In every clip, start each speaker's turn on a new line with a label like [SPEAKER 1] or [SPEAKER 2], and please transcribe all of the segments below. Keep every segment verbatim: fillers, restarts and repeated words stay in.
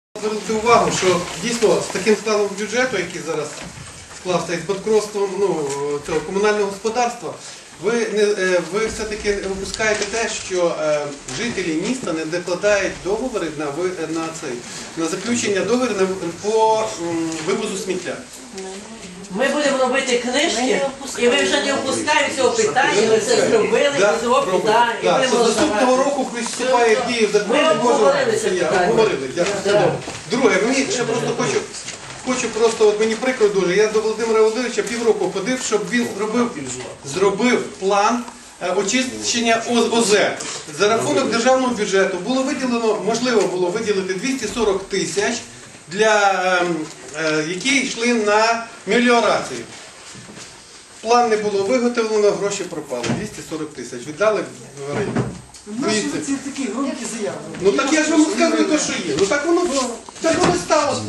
[SPEAKER 1] Звернути увагу, що дійсно з таким складом бюджету, який зараз склався із банкротством ну, цього комунального господарства, ви, не, ви все-таки випускаєте те, що е, жителі міста не докладають договори на, на, цей, на заключення договорів по м, вивозу сміття.
[SPEAKER 2] Ми будемо робити книжки, і ви вже не опускаєте цього питання, ми це зробили,
[SPEAKER 1] Да,
[SPEAKER 2] і зробили, да, і
[SPEAKER 1] да,
[SPEAKER 2] будемо
[SPEAKER 1] з наступного року вступає в дію закон.
[SPEAKER 2] Ми обговорили це питання.
[SPEAKER 1] Обговорили, дякую. Друге, мені ще просто хочу, хочу просто, от мені прикро дуже, я до Володимира Володимировича півроку ходив, щоб він зробив, зробив план очищення ОЗ. За рахунок державного бюджету було виділено, можливо було виділити двісті сорок тисяч, для, е, які йшли на меліорацію. План не було виготовлено, гроші пропали. двісті сорок тисяч. Віддали в район.
[SPEAKER 3] Наші ці такі громкі заяви.
[SPEAKER 1] Ну так я ж вам сказую те, що є. Ну так воно, так воно сталося.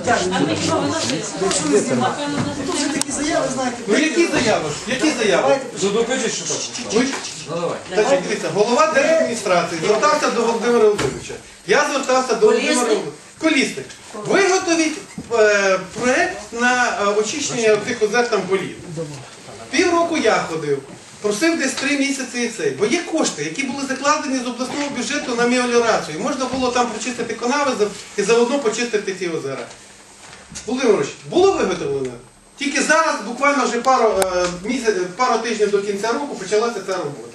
[SPEAKER 3] Тут вже такі заяви, знаєте.
[SPEAKER 1] Ну які заяви? Які заяви?
[SPEAKER 4] Ну докажіть, що так.
[SPEAKER 1] Ну,
[SPEAKER 4] Ну давай.
[SPEAKER 1] значить, дивіться, голова держадміністрації звертався до Володимира Володимировича. Я звертався до Володимира Володимировича. Колісник. Виготовіть е, проєкт на е, очищення тих озер там боліт. Півроку я ходив, просив десь три місяці і цей. Бо є кошти, які були закладені з обласного бюджету на меліорацію. Можна було там почистити канави і заодно почистити ті озера. Володимир Володимирович, було виготовлено? Тільки зараз, буквально вже пару, е, місяць, пару тижнів до кінця року почалася ця робота.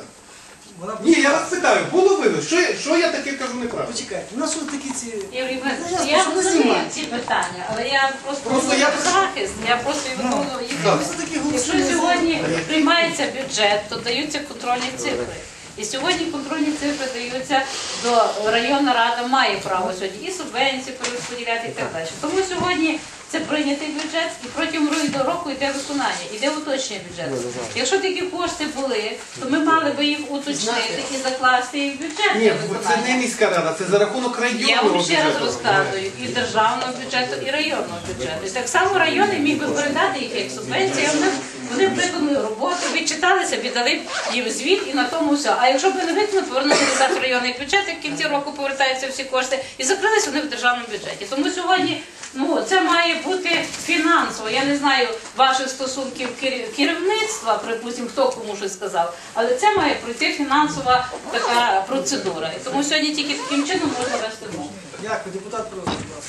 [SPEAKER 1] Ні, я вас питаю, було виготовлено? Що, я- що я таке кажу неправильно?
[SPEAKER 3] Почекайте, у нас що такі ці...
[SPEAKER 5] Юрій Іванович,
[SPEAKER 3] Ну,
[SPEAKER 5] я
[SPEAKER 3] що ви
[SPEAKER 5] розумію
[SPEAKER 3] знімаєте?
[SPEAKER 5] ці питання, але я просто
[SPEAKER 1] Просто
[SPEAKER 5] говорю
[SPEAKER 1] я-
[SPEAKER 5] про захист, я просто і виконую їх.
[SPEAKER 1] Так.
[SPEAKER 3] Це такі
[SPEAKER 5] Якщо
[SPEAKER 3] голосні
[SPEAKER 5] сьогодні приймається бюджет, то даються контрольні цифри. І сьогодні контрольні цифри даються до районна рада має право сьогодні і субвенції перерозподіляти і так далі. Тому сьогодні це прийнятий бюджет і протягом року йде виконання, йде уточнення бюджету. Якщо такі кошти були, то ми мали би їх уточнити і закласти їх в бюджет
[SPEAKER 1] Ні,
[SPEAKER 5] для
[SPEAKER 1] це не
[SPEAKER 5] виконання.
[SPEAKER 1] міська рада, це за рахунок
[SPEAKER 5] Я
[SPEAKER 1] районного
[SPEAKER 5] вам ще раз
[SPEAKER 1] бюджету.
[SPEAKER 5] розказую, і державного бюджету, і районного бюджету. І так само райони міг би передати їх як субвенції, вони, вони виконали роботу, відчиталися, віддали їм звіт і на тому все. А якщо б не виконали, повернули назад в районний бюджет, і в кінці року повертаються всі кошти, і закрилися вони в державному бюджеті. Тому сьогодні ну, це має бути фінансово. Я не знаю ваших стосунків кер- керівництва, припустимо, хто кому щось сказав, але це має пройти фінансова така процедура. І тому сьогодні тільки таким чином можна вести мову.
[SPEAKER 3] Дякую, депутат Прозор, будь ласка.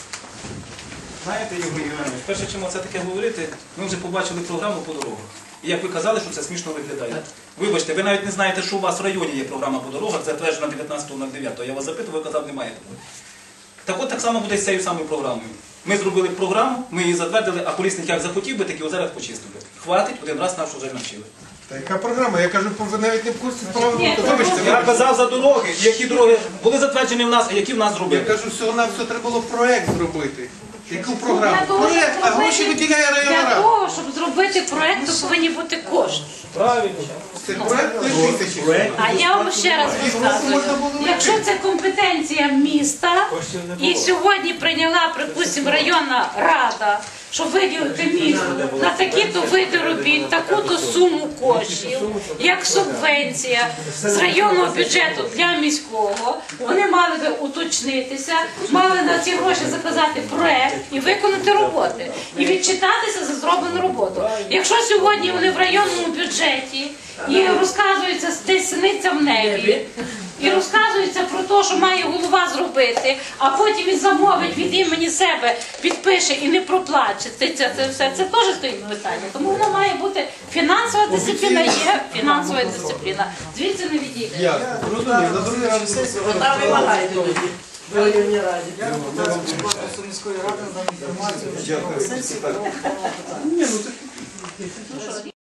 [SPEAKER 4] Знаєте, Юрій Іванович, перше, чим це таке говорити, ми вже побачили програму по дорогах. І як ви казали, що це смішно виглядає. Вибачте, ви навіть не знаєте, що у вас в районі є програма по дорогах, затверджена дев'ятнадцятого дев'ятого. Я вас запитував, ви казав, немає такої. Так от так само буде з цією самою програмою. Ми зробили програму, ми її затвердили, а колісник як захотів би, так і озера почистив би. Хватить, один раз нас вже навчили.
[SPEAKER 1] Та яка програма? Я кажу, ви навіть не в курсі справи.
[SPEAKER 5] Ні,
[SPEAKER 1] То Вибачте,
[SPEAKER 4] Я
[SPEAKER 1] вибачте.
[SPEAKER 4] казав за дороги, які дороги були затверджені в нас, а які в нас
[SPEAKER 1] Я
[SPEAKER 4] зробили.
[SPEAKER 1] кажу, всього на все треба було проєкт зробити. Яку програму?
[SPEAKER 5] Для того, щоб
[SPEAKER 1] Проєкт, а гроші
[SPEAKER 5] зробити-
[SPEAKER 1] виділяє районна
[SPEAKER 5] Для
[SPEAKER 1] рада.
[SPEAKER 5] того, щоб зробити проєкт, то повинні бути кошти.
[SPEAKER 4] Правильно.
[SPEAKER 1] Це проєкт три тисячі.
[SPEAKER 5] А я вам ще раз розказую, якщо це компетенція міста, і сьогодні прийняла, припустимо, районна рада, щоб виділити місту на такі-то види робіт, таку-то суму коштів, як субвенція з районного бюджету для міського, вони мали би уточнитися, мали на ці гроші заказати проект і виконати роботи, і відчитатися за зроблену роботу. Якщо сьогодні вони в районному бюджеті і розказується десь синиця в небі, і розказується про те, що має голова зробити, а потім він замовить від імені себе, підпише і не проплаче. Це, це, це все це теж стоїть питання. Тому воно має бути фінансова дисципліна, є фінансова дисципліна. Звідси не відійде.
[SPEAKER 1] Я розумію, на другий раз.
[SPEAKER 2] Там вимагаєте тоді в районній раді.
[SPEAKER 3] Я депутат Сумської міської ради надам інформацію.
[SPEAKER 1] Дякую.
[SPEAKER 3] Сесії.
[SPEAKER 1] Ні, ну це